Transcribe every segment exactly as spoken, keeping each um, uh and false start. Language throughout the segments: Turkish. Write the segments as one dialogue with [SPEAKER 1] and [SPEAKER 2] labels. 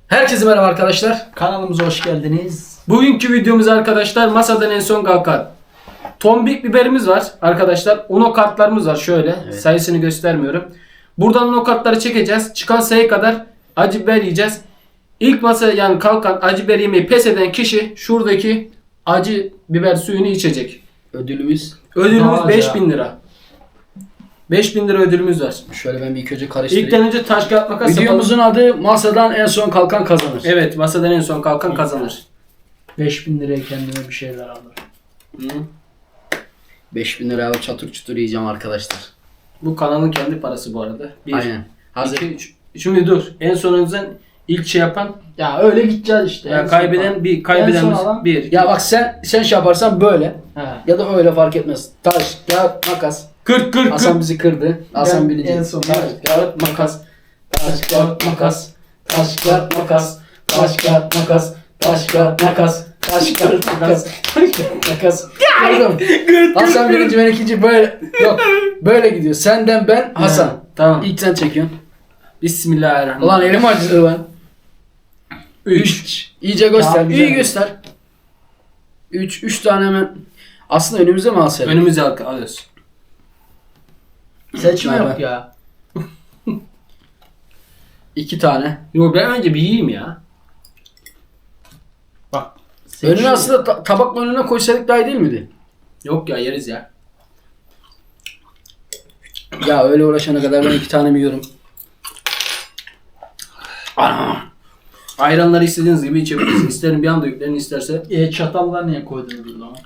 [SPEAKER 1] Herkese merhaba arkadaşlar.
[SPEAKER 2] Kanalımıza hoş geldiniz.
[SPEAKER 3] Bugünkü videomuz arkadaşlar masadan en son kalkan tombik biberimiz var arkadaşlar. Uno kartlarımız var şöyle.
[SPEAKER 1] Evet.
[SPEAKER 3] Sayısını göstermiyorum. Buradan uno kartları çekeceğiz. Çıkan sayı kadar acı biber yiyeceğiz. İlk masaya yani kalkan acı biber yemeyi pes eden kişi şuradaki acı biber suyunu içecek.
[SPEAKER 1] Ödülümüz.
[SPEAKER 3] Ödülümüz
[SPEAKER 2] Daha
[SPEAKER 3] beş
[SPEAKER 2] acı.
[SPEAKER 3] bin lira. beş bin lira ödülümüz var.
[SPEAKER 1] Şöyle ben bir ilk önce karıştırayım.
[SPEAKER 3] İlkten önce taş kağıt makas yapalım.
[SPEAKER 1] Videomuzun adı masadan en son kalkan kazanır.
[SPEAKER 3] Evet, masadan en son kalkan kazanır.
[SPEAKER 2] beş bin liraya kendime bir şeyler alırım.
[SPEAKER 3] Hı.
[SPEAKER 1] beş bin liraya çatır çutur yiyeceğim arkadaşlar.
[SPEAKER 3] Bu kanalın kendi parası bu arada. Bir,
[SPEAKER 1] Aynen. Hazır.
[SPEAKER 3] iki, üç. Şimdi dur. En sonunuzdan ilk şey yapan
[SPEAKER 2] Ya öyle gideceğiz işte.
[SPEAKER 3] ya
[SPEAKER 2] En
[SPEAKER 3] kaybeden
[SPEAKER 2] son-
[SPEAKER 3] bir kaybeden
[SPEAKER 2] en son alan-
[SPEAKER 3] bir.
[SPEAKER 1] Ya bak sen sen şey yaparsan böyle
[SPEAKER 2] He.
[SPEAKER 1] ya da öyle fark etmez. Taş, kağıt, makas.
[SPEAKER 3] kırk kırk
[SPEAKER 1] Hasan
[SPEAKER 3] kırk.
[SPEAKER 1] bizi kırdı. Hasan
[SPEAKER 2] Ben
[SPEAKER 1] bilecek.
[SPEAKER 2] en son-
[SPEAKER 1] Taş, kağıt, makas. Taş, kağıt, makas. Taş, kağıt, makas. Taş, kağıt, makas. Taş, kağıt, makas. Taş, kağıt, makas. Taş, kağıt, makas. Gördün mü? Hasan birinci, ben ikinci, böyle. Yok. Böyle gidiyor. Senden ben, Hasan.
[SPEAKER 3] Ha, tamam.
[SPEAKER 1] İlk sen çekiyorsun.
[SPEAKER 3] Bismillahirrahmanirrahim.
[SPEAKER 1] Ulan elim acıdı lan.
[SPEAKER 3] üç.
[SPEAKER 1] İyice göster.
[SPEAKER 2] Ya,
[SPEAKER 1] İyi
[SPEAKER 2] güzel.
[SPEAKER 1] göster. üç. üç tane hemen. Aslında önümüze mi alsaydık?
[SPEAKER 3] Önümüze al- alıyoruz.
[SPEAKER 2] Seçme
[SPEAKER 1] Bay
[SPEAKER 2] yok
[SPEAKER 1] bay.
[SPEAKER 2] ya.
[SPEAKER 1] iki tane.
[SPEAKER 3] Yo ben önce bir yiyeyim ya.
[SPEAKER 2] Bak.
[SPEAKER 1] Önüne aslında ta- tabakla önüne koysaydık daha iyi değil miydi?
[SPEAKER 3] Yok ya yeriz ya.
[SPEAKER 1] Ya öyle uğraşana kadar ben iki tane mi yiyorum?
[SPEAKER 3] Ana. Ayranları istediğiniz gibi içebilirsiniz. İsterim bir anda yüklerin isterse.
[SPEAKER 2] E, çatallar niye koydunuz o zaman?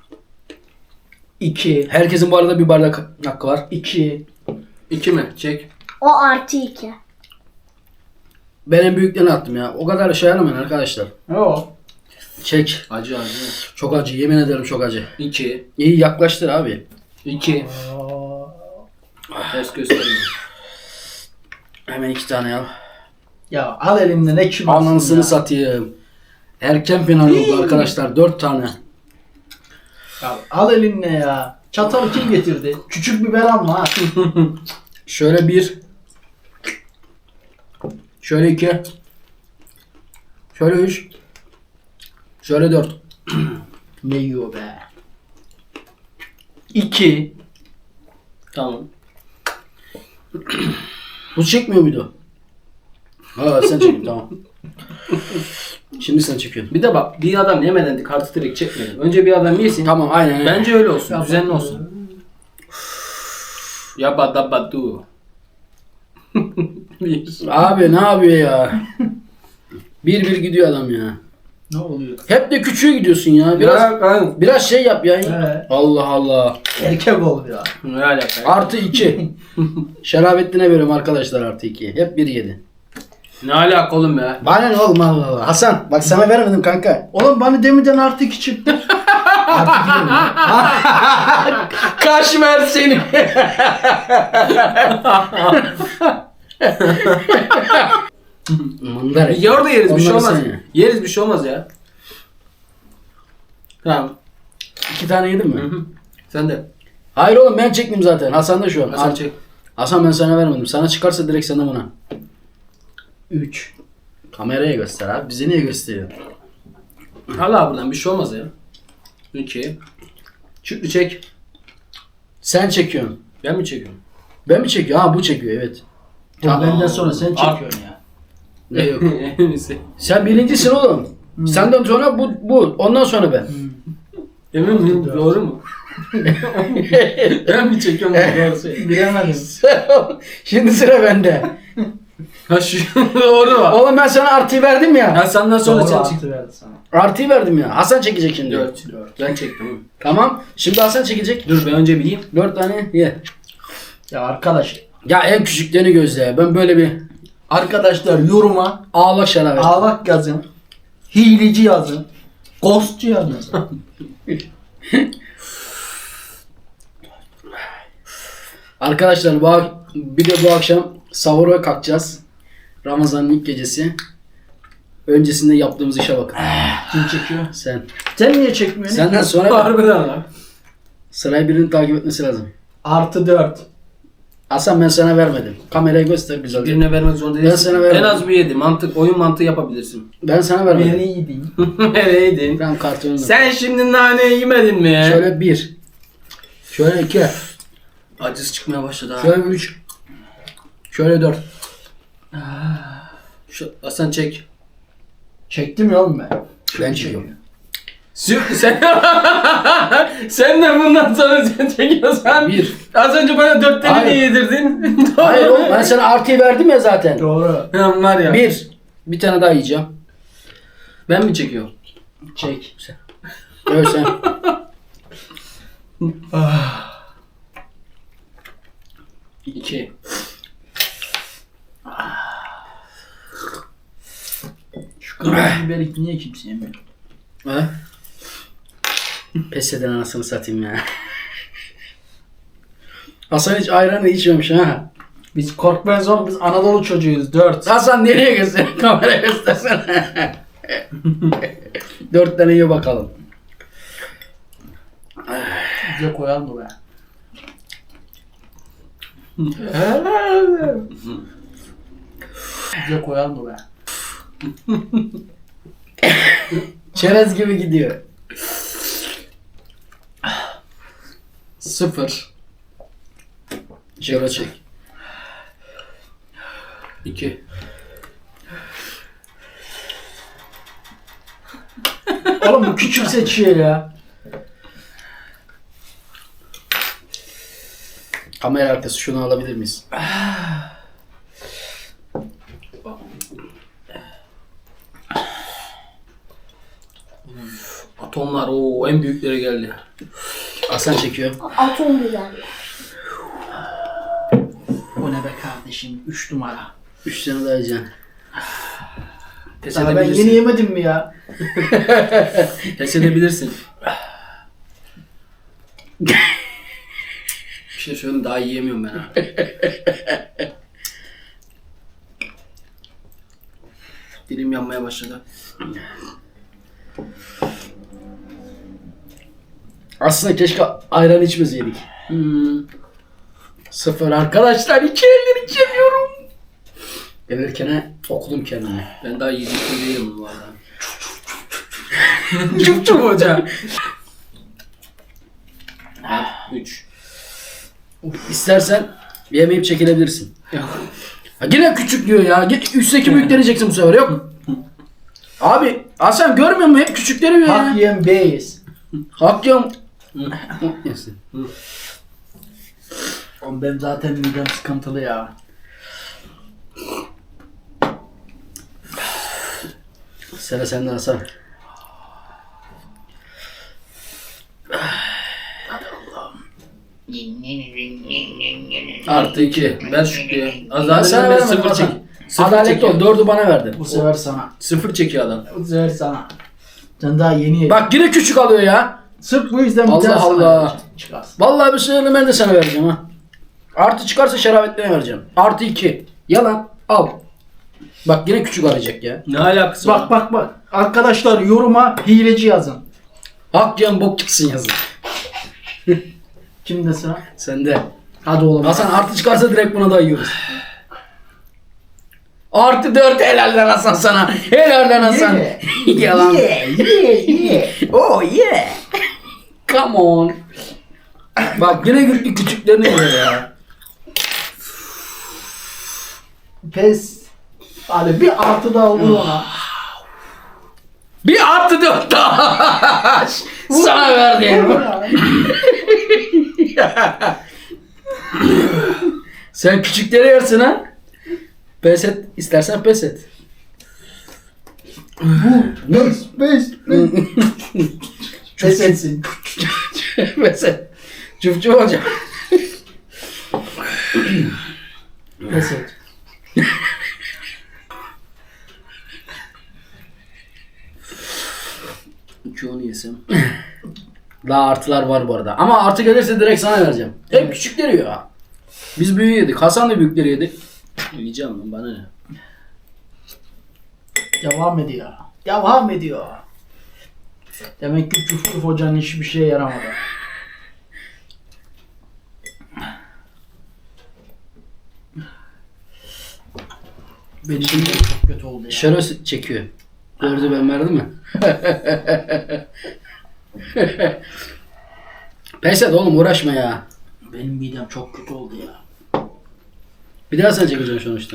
[SPEAKER 2] İki.
[SPEAKER 1] Herkesin bu arada bir bardak hakkı var.
[SPEAKER 2] İki.
[SPEAKER 3] iki mi? Çek.
[SPEAKER 4] O artı iki.
[SPEAKER 1] Ben en büyüklerini attım ya. O kadar şey aramayın arkadaşlar.
[SPEAKER 2] O.
[SPEAKER 1] Çek.
[SPEAKER 3] Acı acı.
[SPEAKER 1] Çok acı. Yemin ederim çok acı.
[SPEAKER 3] iki.
[SPEAKER 1] İyi yaklaştır abi.
[SPEAKER 3] iki.
[SPEAKER 2] Oo.
[SPEAKER 3] Ters göstereyim.
[SPEAKER 1] Hemen iki tane al.
[SPEAKER 2] Ya al elimden ne kim alsın
[SPEAKER 1] Anasını
[SPEAKER 2] ya.
[SPEAKER 1] satayım. Erken final oldu arkadaşlar. Dört tane.
[SPEAKER 2] Ya al elinle ya. Çatalı kim getirdi? Küçük biber alma ha.
[SPEAKER 1] Şöyle bir. Şöyle iki. Şöyle üç. Şöyle dört.
[SPEAKER 2] Ne yiyor be? İki.
[SPEAKER 3] Tamam.
[SPEAKER 1] Bu çekmiyor muydu? Ha sen çekin tamam. Şimdi sen çekiyorsun.
[SPEAKER 3] Bir de bak bir adam yemeden de kartı direkt çekmeyelim. Önce bir adam yesin.
[SPEAKER 1] Tamam aynen. aynen.
[SPEAKER 3] Bence öyle olsun.
[SPEAKER 2] Ya
[SPEAKER 3] düzenli
[SPEAKER 2] bak-
[SPEAKER 3] olsun. Yabba dabba du. Bir.
[SPEAKER 1] Abi ne yapıyor ya? Bir bir gidiyor adam ya.
[SPEAKER 2] Ne oluyor?
[SPEAKER 1] Hep de küçüğe gidiyorsun ya. Biraz
[SPEAKER 3] Ya, ben-
[SPEAKER 1] biraz şey yap ya.
[SPEAKER 2] He.
[SPEAKER 1] Allah Allah.
[SPEAKER 2] Erkek ol ya.
[SPEAKER 3] Ne alaka? ya?
[SPEAKER 1] Artı iki. Şerafettin'e veriyorum arkadaşlar artı iki. Hep bir yedi.
[SPEAKER 3] Ne alaka oğlum ya?
[SPEAKER 1] Bana ne oğlum Allah Allah. Hasan bak sana vermedim kanka.
[SPEAKER 2] Oğlum bana demeden artı iki çıktı.
[SPEAKER 1] Artı iki dedim ya. Kaşmer seni. Mundar.
[SPEAKER 3] Ya orada yeriz bir şey
[SPEAKER 1] Onları
[SPEAKER 3] olmaz.
[SPEAKER 1] sen ye.
[SPEAKER 3] Yeriz bir şey olmaz ya. Tamam.
[SPEAKER 1] İki tane yedin mi?
[SPEAKER 3] Hı hı. Sen de.
[SPEAKER 1] Hayır oğlum ben çektim zaten. Hasan da şu an.
[SPEAKER 3] Hasan çek.
[SPEAKER 1] Hasan ben sana vermedim. Sana çıkarsa direkt sana buna.
[SPEAKER 2] Üç.
[SPEAKER 1] Kameraya göster abi. Bize niye gösteriyor?
[SPEAKER 3] Hala buradan bir şey olmaz ya. iki. Şükrü çek.
[SPEAKER 1] Sen çekiyorsun.
[SPEAKER 3] Ben mi çekiyorum?
[SPEAKER 1] Ben mi çekiyorum? Ha bu çekiyor evet.
[SPEAKER 2] Tamam. Benden sonra sen
[SPEAKER 3] Al.
[SPEAKER 2] çekiyorsun ya.
[SPEAKER 1] Ne yok.
[SPEAKER 3] En iyisi.
[SPEAKER 1] Sen birincisin oğlum. Senden sonra bu bu. Ondan sonra ben.
[SPEAKER 3] Emin miyim? Doğru mu? Ben mi çekiyorum bu doğru söyle.
[SPEAKER 2] Bilemedim.
[SPEAKER 1] Şimdi sıra bende.
[SPEAKER 3] Ha şu doğru var.
[SPEAKER 1] Oğlum ben sana artıyı verdim ya.
[SPEAKER 3] Ha senden sonra
[SPEAKER 2] Doğru
[SPEAKER 3] sen çek.
[SPEAKER 2] artı verdi sana.
[SPEAKER 1] Artıyı verdim ya. Hasan çekecek şimdi.
[SPEAKER 3] Dört. Ben çektim.
[SPEAKER 1] Tamam. Şimdi Hasan çekecek.
[SPEAKER 3] Dur ben önce bir yiyeyim.
[SPEAKER 1] Dört tane ye.
[SPEAKER 2] Ya arkadaş.
[SPEAKER 1] Ya en küçüklerini gözle. Ben böyle bir
[SPEAKER 2] Arkadaşlar yoruma
[SPEAKER 1] ağlak şarabı.
[SPEAKER 2] ağlak yazın. Hileci yazın. Ghostçu yazın.
[SPEAKER 1] Arkadaşlar bu ak- bir de bu akşam sahura kalkacağız. Ramazan'ın ilk gecesi. Öncesinde yaptığımız işe bakın.
[SPEAKER 2] Kim çekiyor?
[SPEAKER 1] Sen.
[SPEAKER 2] Sen niye çekmiyorsun?
[SPEAKER 1] Senden sonra
[SPEAKER 3] Harbiden lan.
[SPEAKER 1] sırayı birinin takip etmesi lazım.
[SPEAKER 2] Artı dört.
[SPEAKER 1] Hasan ben sana vermedim. Kameraya göster güzel.
[SPEAKER 3] Birine vermek zorunda değilsin.
[SPEAKER 1] sana vermedim.
[SPEAKER 3] En az bir yedi. Mantık, oyun mantığı yapabilirsin.
[SPEAKER 1] Ben sana vermedim.
[SPEAKER 2] Nereydin?
[SPEAKER 3] Nereydin?
[SPEAKER 1] Ben kartonunu.
[SPEAKER 3] Sen şimdi nane yemedin mi?
[SPEAKER 1] Şöyle bir. Şöyle iki.
[SPEAKER 3] Acısı çıkmaya başladı ha.
[SPEAKER 1] Şöyle üç. Şöyle dört.
[SPEAKER 3] Şu, Hasan çek.
[SPEAKER 2] Çektim ya oğlum ben.
[SPEAKER 1] Ben çekiyorum.
[SPEAKER 3] Sü- Sen, sen de bundan sonra sen çekiyorsan.
[SPEAKER 1] Bir.
[SPEAKER 3] Az önce bana dört tane
[SPEAKER 1] Hayır.
[SPEAKER 3] niye yedirdin?
[SPEAKER 1] Hayır oğlum ben sana artıyı verdim ya zaten.
[SPEAKER 2] Doğru.
[SPEAKER 3] Tamam var ya.
[SPEAKER 1] Bir. Bir tane daha yiyeceğim.
[SPEAKER 3] Ben mi çekiyorum?
[SPEAKER 2] Çek.
[SPEAKER 1] Evet sen.
[SPEAKER 3] İki.
[SPEAKER 2] Şu kırmızı biberi niye kimse yemiyor?
[SPEAKER 1] He? Pes eden anasını satayım ya. Hasan hiç ayranı içmemiş ha.
[SPEAKER 2] Biz korkmayız oğlum, biz Anadolu çocuğuyuz. Dört.
[SPEAKER 1] Hasan nereye göster? Kameraya göstersene. Dört tane yiyor bakalım.
[SPEAKER 2] Bize koyalım mı be? Bize koyalım mı be?
[SPEAKER 1] Çerez gibi gidiyor.
[SPEAKER 3] Sıfır.
[SPEAKER 1] Şöyle çek.
[SPEAKER 3] İki.
[SPEAKER 2] Oğlum bu küçük seçiyor ya.
[SPEAKER 1] Kamera arkası şunu alabilir miyiz?
[SPEAKER 3] Atomlar o en büyükleri geldi.
[SPEAKER 1] Hasan çekiyor.
[SPEAKER 4] Atom biberler.
[SPEAKER 2] Bu ne be kardeşim? Üç numara.
[SPEAKER 1] Üç tane daha yiyeceğim.
[SPEAKER 3] Pes
[SPEAKER 2] Sana ben
[SPEAKER 3] edebilirsin.
[SPEAKER 2] yeni yemedim mi ya?
[SPEAKER 3] Pes edebilirsin. Bir şey söyleyeyim daha yiyemiyorum ben ha. Dilim yanmaya başladı.
[SPEAKER 1] Aslında keşke ayran içmeseydik.
[SPEAKER 3] Hmm.
[SPEAKER 1] Sıfır arkadaşlar. İki elleri içemiyorum. Gelirken okudum kendimi.
[SPEAKER 3] Ben daha yiyecektim değilim bu arada. Çup çup hoca. Üç.
[SPEAKER 1] İstersen yemeyip çekilebilirsin. Ha, yine küçük diyor ya. Git üstteki büyükleri yiyeceksin bu sefer yok. Abi Hasan görmüyor musun? Hep küçükleri yiyor
[SPEAKER 2] Hak
[SPEAKER 1] ya.
[SPEAKER 2] yiyen beyiz.
[SPEAKER 1] Hak yiyorum. Yesin.
[SPEAKER 2] Oğlum benim zaten midem sıkıntılı ya.
[SPEAKER 1] Sıra sende Hasan.
[SPEAKER 3] Artı iki. Ver Şükrü'ye. Az
[SPEAKER 1] Ben
[SPEAKER 3] daha
[SPEAKER 1] sana
[SPEAKER 3] ben
[SPEAKER 1] vermedim
[SPEAKER 3] sıfır çek.
[SPEAKER 1] Hasan.
[SPEAKER 3] Sıfır
[SPEAKER 1] Adaletli
[SPEAKER 3] çekiyor.
[SPEAKER 1] ol. Dördü bana verdin.
[SPEAKER 2] Bu sefer sana.
[SPEAKER 3] Sıfır çekiyor adam.
[SPEAKER 2] Bu sefer sana. Sen daha yeni yedin.
[SPEAKER 1] Bak yine küçük alıyor ya.
[SPEAKER 2] Sırf bu yüzden bir
[SPEAKER 1] Allah
[SPEAKER 2] tane sana
[SPEAKER 1] Allah.
[SPEAKER 2] vereceğim. Çıkarsın.
[SPEAKER 1] Vallahi bir şeyleri ben de sana vereceğim ha. Artı çıkarsa şerabetlerine vereceğim. Artı iki. Yalan. Al. Bak yine küçük arayacak ya.
[SPEAKER 3] Ne alakası
[SPEAKER 2] Bak
[SPEAKER 3] var?
[SPEAKER 2] bak bak. Arkadaşlar yoruma hileci yazın.
[SPEAKER 1] Hak yiyen bok gitsin yazın.
[SPEAKER 2] Kimde sıra?
[SPEAKER 1] Sende.
[SPEAKER 2] Hadi oğlum.
[SPEAKER 1] Hasan artı çıkarsa direkt buna da yiyoruz. Artı dört helal lan Hasan sana. Helal lan Hasan.
[SPEAKER 2] Yeah.
[SPEAKER 1] Yalan.
[SPEAKER 2] Yeah, yeah, yeah.
[SPEAKER 1] Oh yeah. Come on. Bak yine gitti küçüklerini yiyor ya.
[SPEAKER 2] Pes. Hadi bir artı da olur ona.
[SPEAKER 1] Bir artı dört daha. Sana verdim. Sen küçükleri yersin ha. Pes et. İstersen pes et.
[SPEAKER 2] Pes, pes, pes. Pes etsin.
[SPEAKER 1] Pes et. Çuf çuf hocam.
[SPEAKER 2] Pes et.
[SPEAKER 3] İki onu yesem.
[SPEAKER 1] Daha artılar var bu arada. Ama artı gelirse direkt sana vereceğim. Hep küçükleri yiyor ha. Biz büyüğü yedik. Hasan da büyükleri yedi.
[SPEAKER 3] Yiyeceğim lan bana ne?
[SPEAKER 2] Devam ediyor. Devam ediyor. Demek ki Cuf Cuf hocanın hiçbir şeye yaramadı. Benim midem çok kötü oldu ya.
[SPEAKER 1] Şöyle çekiyor. Gördü ben verdim mi? Pes et oğlum uğraşma ya.
[SPEAKER 2] Benim midem çok kötü oldu ya.
[SPEAKER 1] Bir daha sen çekeceksin sonuçta.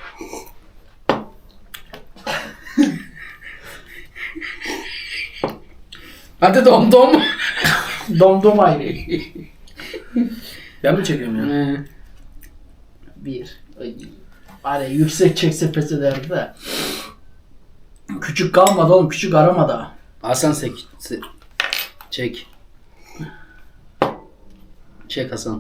[SPEAKER 1] Hadi dom dom.
[SPEAKER 2] Domdom ayrı.
[SPEAKER 3] Ben mi çekiyorum ya?
[SPEAKER 1] Ee,
[SPEAKER 2] Bir. Ay. Hani yüksek çekse pes ederdi de. Küçük kalmadı oğlum. Küçük aramadı.
[SPEAKER 1] Hasan sek, se- çek. Çek Hasan.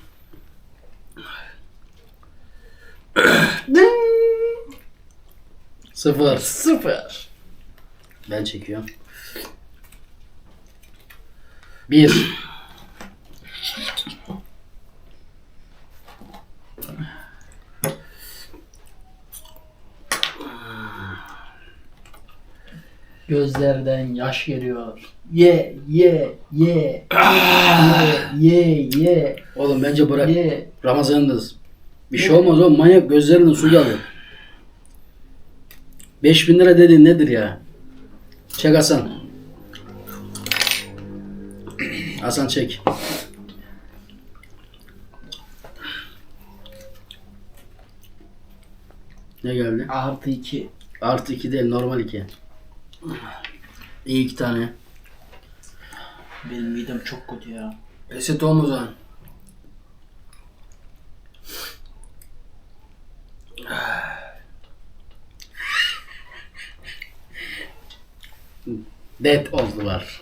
[SPEAKER 1] Sıfır.
[SPEAKER 2] Sıfır.
[SPEAKER 1] Ben çekiyorum. Bir.
[SPEAKER 2] Gözlerden yaş geliyor. Ye ye ye. ye ye ye.
[SPEAKER 1] Oğlum bence bırak.
[SPEAKER 2] Ye.
[SPEAKER 1] Ramazan'dayız. Bir şey olmaz oğlum, manyak gözlerinden su geliyor. beş bin lira dediğin nedir ya? Çek Hasan. Hasan çek. Ne geldi?
[SPEAKER 2] Artı iki.
[SPEAKER 1] Artı iki değil, normal iki. İyi iki tane.
[SPEAKER 2] Benim midem çok kötü ya.
[SPEAKER 1] Pes et oğlum o zaman. Dead oldular.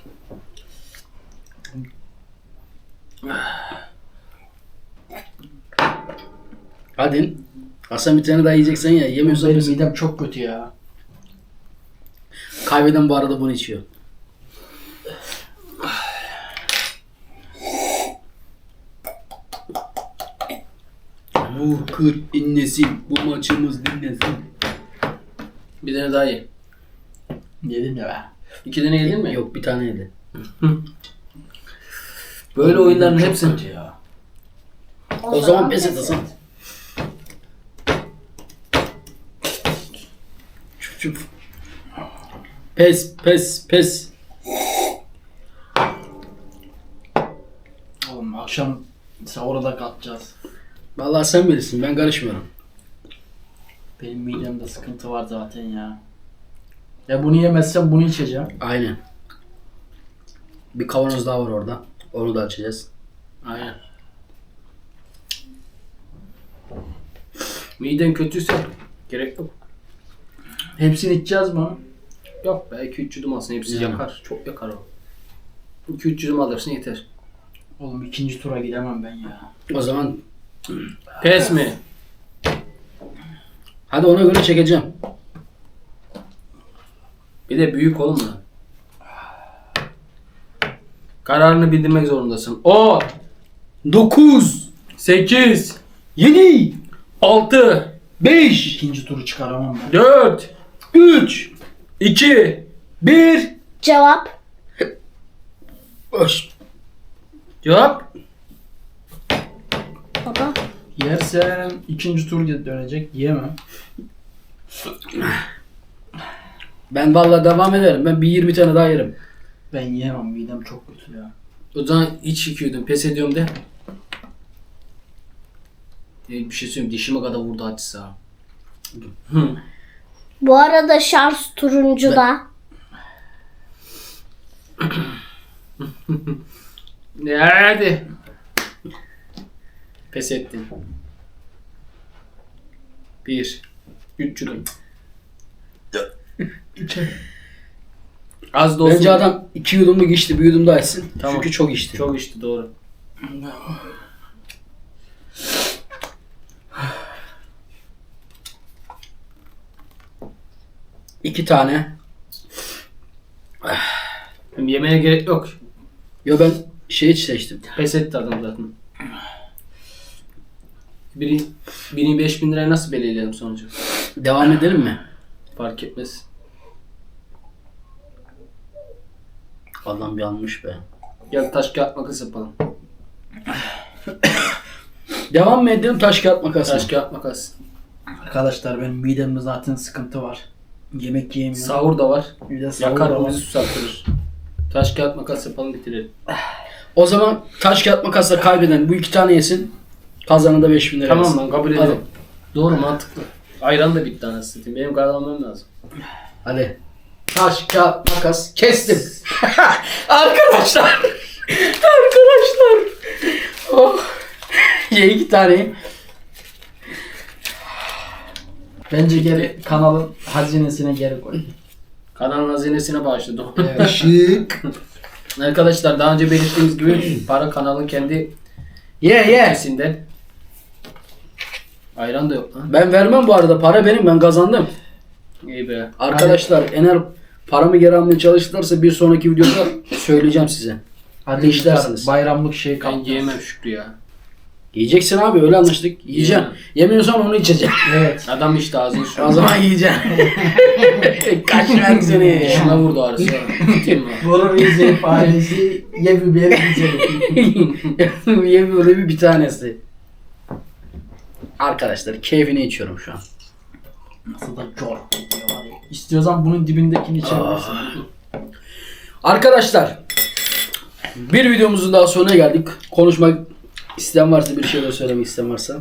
[SPEAKER 1] Hadi. Hasan bir tane daha yiyeceksen ya. Yemiyorsan
[SPEAKER 2] Benim
[SPEAKER 1] biz-
[SPEAKER 2] midem çok kötü ya.
[SPEAKER 1] kaybeden bu arada bunu içiyor. Bu kır inlesin. Bu maçımız dinlesin. Bir tane daha ye.
[SPEAKER 2] Yedim ya be.
[SPEAKER 3] İki tane yedin mi?
[SPEAKER 1] Yok, bir tane yedi.
[SPEAKER 3] Böyle oyunların
[SPEAKER 2] Çok
[SPEAKER 3] hepsini.
[SPEAKER 2] kötü ya.
[SPEAKER 1] O zaman pes et Hasan. Çuf çuf. Pes pes pes.
[SPEAKER 2] Oğlum akşam sahura da kalkacağız.
[SPEAKER 1] Vallahi sen bilirsin, ben karışmıyorum.
[SPEAKER 2] Benim midemde sıkıntı var zaten ya. Ya bunu yemezsem bunu içeceğim.
[SPEAKER 1] Aynen. Bir kavanoz daha var orada. Onu da açacağız.
[SPEAKER 3] Aynen. Miden kötüyse gerek yok.
[SPEAKER 2] Hepsini içeceğiz mi?
[SPEAKER 3] Yok be, iki üç yudum alsın, hepsi
[SPEAKER 1] Yani.
[SPEAKER 3] yakar. Çok yakar o. iki üç yudum alırsın yeter.
[SPEAKER 2] Oğlum ikinci tura gidemem ben ya.
[SPEAKER 1] O zaman
[SPEAKER 3] Pes mi?
[SPEAKER 1] hadi ona göre çekeceğim.
[SPEAKER 3] Bir de büyük oğlum da. Kararını bildirmek zorundasın. on,
[SPEAKER 1] dokuz,
[SPEAKER 3] sekiz,
[SPEAKER 1] yedi,
[SPEAKER 3] altı,
[SPEAKER 1] beş,
[SPEAKER 2] İkinci turu çıkaramam ben.
[SPEAKER 3] dört,
[SPEAKER 1] üç,
[SPEAKER 3] iki,
[SPEAKER 1] bir.
[SPEAKER 4] Cevap.
[SPEAKER 1] Boş.
[SPEAKER 3] cevap.
[SPEAKER 4] Baba.
[SPEAKER 2] Yersem ikinci tur dönecek. Yiyemem.
[SPEAKER 1] Ben vallahi devam ederim. Ben bir yirmi tane daha yerim.
[SPEAKER 2] Ben yiyemem. Midem çok kötü ya.
[SPEAKER 3] O zaman hiç iki yudum pes ediyorum de. E, bir şey söyleyeyim, dişime kadar vurdu acısı ha. Hı.
[SPEAKER 4] Bu arada şans turuncuda.
[SPEAKER 3] Hadi. Pes ettim. Bir. Üç yudum. Az da olsun.
[SPEAKER 1] Bence adam iki yudumluk içti. Bir yudum daha içsin.
[SPEAKER 3] Tamam.
[SPEAKER 1] Çünkü çok içti.
[SPEAKER 3] Çok içti, doğru.
[SPEAKER 1] İki tane.
[SPEAKER 3] Hem yemeye gerek yok.
[SPEAKER 1] Yo ben şey seçtim.
[SPEAKER 3] Pes etti adam zaten. Biri, biri beş bin liraya nasıl belirleyelim sonucu?
[SPEAKER 1] Devam edelim mi?
[SPEAKER 3] Fark etmez.
[SPEAKER 1] Adam yanmış be.
[SPEAKER 3] Gel taş kağıt makas yapalım.
[SPEAKER 1] Devam mı edelim, taş kağıt makas mı?
[SPEAKER 3] Taş kağıt makas.
[SPEAKER 2] Arkadaşlar benim midemde zaten sıkıntı var. Yemek yiyemiyorum.
[SPEAKER 3] Sahur da var.
[SPEAKER 2] Bir de sahur
[SPEAKER 3] Yakar
[SPEAKER 2] da var.
[SPEAKER 3] bizi susatırır. Taş kağıt makas yapalım bitirelim.
[SPEAKER 1] O zaman taş kağıt makasla kaybeden bu iki tane yesin. Kazanan da beş bin lira
[SPEAKER 3] Tamam
[SPEAKER 1] yesin.
[SPEAKER 3] lan kabul edelim. Doğru mantıklı. Ayran da bitti anasını satayım. Benim kazanmam lazım.
[SPEAKER 1] Hadi. Taş kağıt makas kestim. Arkadaşlar. Arkadaşlar. Oh. Ye iki tane.
[SPEAKER 2] Bence geri kanalın hazinesine geri koy.
[SPEAKER 3] Kanalın hazinesine bağışladı.
[SPEAKER 1] Işık.
[SPEAKER 3] Arkadaşlar daha önce belirttiğimiz gibi para kanalın kendi
[SPEAKER 1] Ye ye.
[SPEAKER 3] kesinden. Ayran da yok lan.
[SPEAKER 1] Ben vermem bu arada. Para benim. Ben kazandım.
[SPEAKER 3] İyi be.
[SPEAKER 1] Arkadaşlar eğer paramı geri almaya çalışırlarsa bir sonraki videoda söyleyeceğim size.
[SPEAKER 2] Hadi
[SPEAKER 1] işlersiniz.
[SPEAKER 2] işler. Bayramlık şey
[SPEAKER 3] Ben
[SPEAKER 2] kaptınız.
[SPEAKER 3] yiyemem Şükrü ya.
[SPEAKER 1] Yiyeceksin abi öyle anlaştık. Yiyeceğim.
[SPEAKER 3] Yiyemem.
[SPEAKER 1] Yemiyorsan onu içeceğim.
[SPEAKER 2] Evet.
[SPEAKER 3] Adam işte ağzını şu
[SPEAKER 1] O zaman yiyeceğim. Kaçmak seni.
[SPEAKER 3] Şuna vurdu ağrısı. Tutayım mı?
[SPEAKER 2] Vurur Rize faresi ye biberi güzeli.
[SPEAKER 1] Ye böyle bir, bir tanesi. Arkadaşlar keyfini içiyorum şu an.
[SPEAKER 2] Nasıl da çok İstiyorsan bunun dibindekini içebilirsin.
[SPEAKER 1] Arkadaşlar bir videomuzun daha sonuna geldik. Konuşmak isteyen varsa, bir şeyler söylemek isteyen varsa.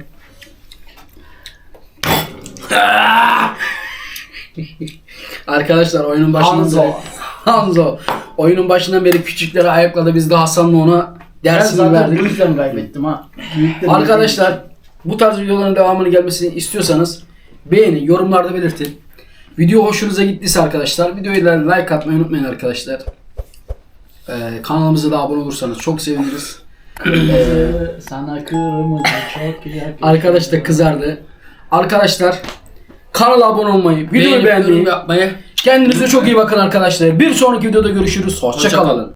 [SPEAKER 1] Arkadaşlar oyunun başından
[SPEAKER 2] Hanzo.
[SPEAKER 1] beri Hanzo. Oyunun başından beri küçükleri ayakladı. Biz de Hasan'la ona
[SPEAKER 2] Ben
[SPEAKER 1] dersini
[SPEAKER 2] zaten
[SPEAKER 1] verdik.
[SPEAKER 2] bu yüzden kaybettim ha. Büyüklerin
[SPEAKER 1] Arkadaşlar bu tarz videoların devamını gelmesini istiyorsanız beğenin, yorumlarda belirtin. Video hoşunuza gittiyse arkadaşlar videoya like atmayı unutmayın arkadaşlar. Ee, kanalımıza da abone olursanız çok seviniriz.
[SPEAKER 2] Kırmızı, sana kırmızı çok güzel.
[SPEAKER 1] Arkadaş da kızardı. Arkadaşlar kanala abone olmayı, videoyu
[SPEAKER 3] Beğenip yorum
[SPEAKER 1] beğenmeyi,
[SPEAKER 3] yapmayı.
[SPEAKER 1] kendinize çok iyi bakın arkadaşlar. Bir sonraki videoda görüşürüz. Hoşça
[SPEAKER 3] Hoşça
[SPEAKER 1] kalın.
[SPEAKER 3] kalın.